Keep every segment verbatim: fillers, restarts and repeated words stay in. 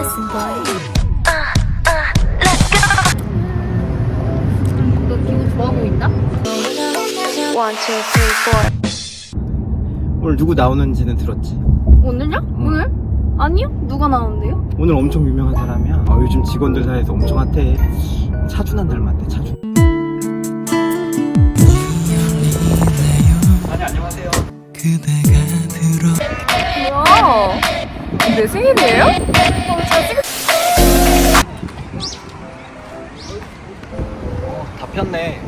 listen, boy. 너 기분 좋아 보인다? One, two, three, four. 오늘 누구 나오는지는 들었지? 오늘요? 오늘? 아니요? 누가 나오는데요? 오늘 엄청 유명한 사람이야. 아, 요즘 직원들 사이에서 엄청 핫해. 차준환 닮았대, 차준. 아니, 안녕하세요. 뭐야? 내 생일이에요? 어, 잘 찍... 어, 다 폈네.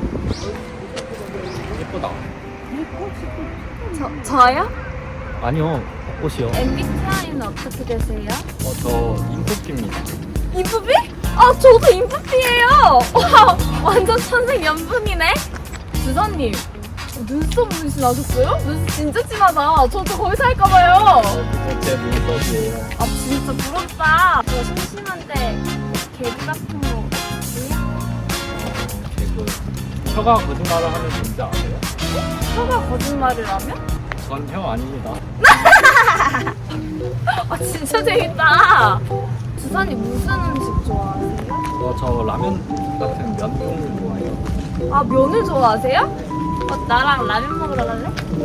예쁘다. 저, 저요? 아니요, 옷이요. 엠비티아이는 어떻게 되세요? 어, 저 인프피입니다. 인프피? 아, 저도 인프피예요! 와, 완전 천생연분이네? 주사님, 눈썹 문신하셨어요? 눈썹 진짜 진하다. 저도 거기서 할까봐요. 제 눈썹이에요. 아, 진짜 부럽다. 저 심심한데 개그 같은 거 없어요? 개그. 혀가 거짓말을 하면 뭔지 아세요? 혀가 거짓말을 하면? 전 혀 아닙니다. 아, 진짜 재밌다. 주사님 무슨 음식 좋아하세요? 어, 저 라면 같은 면 종류 좋아해요. 아, 면을 좋아하세요? 어, 나랑 라면 먹으러 갈래?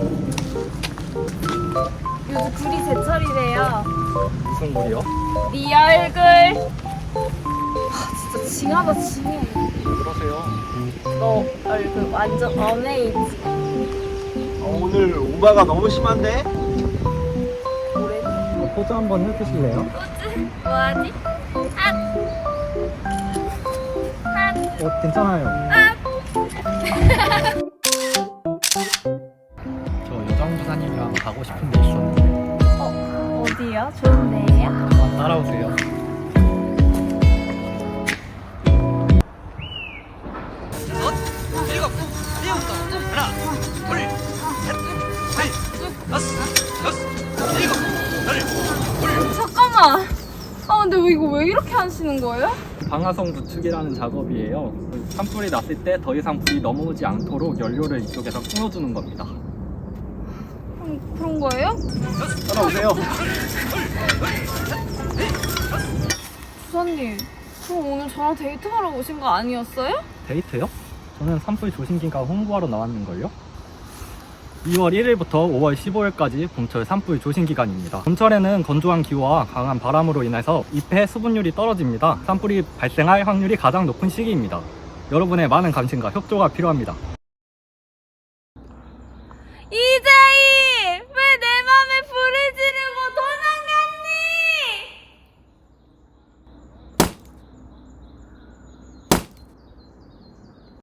요즘 굴이 제철이래요. 무슨 물이요? 네 얼굴. 아, 진짜 징하다 징해. 그러세요. 너 얼굴 완전 어메이지. 어, 오늘 오바가 너무 심한데? 뭐래? 포즈 한번 해주실래요? 뭐지? 뭐하지? 아! 아! 어, 괜찮아요. 저 여정부사님이랑 가고 싶은 데 있었는데 어, 어디요? 좋은데요? 한번 따라오세요. 잠깐만. 아, 근데 왜 이거 왜 이렇게 하시는 거예요? 방화성 부축이라는 작업이에요. 산불이 났을 때 더 이상 불이 넘어오지 않도록 연료를 이쪽에서 끊어주는 겁니다. 음, 그런 거예요? 따라오세요. 주사님, 그럼 오늘 저랑 데이트하러 오신 거 아니었어요? 데이트요? 저는 산불 조심기가 홍보하러 나왔는걸요? 이월 일일부터 오월 십오일까지 봄철 산불 조심 기간입니다. 봄철에는 건조한 기후와 강한 바람으로 인해서 잎의 수분율이 떨어집니다. 산불이 발생할 확률이 가장 높은 시기입니다. 여러분의 많은 관심과 협조가 필요합니다. 이재희!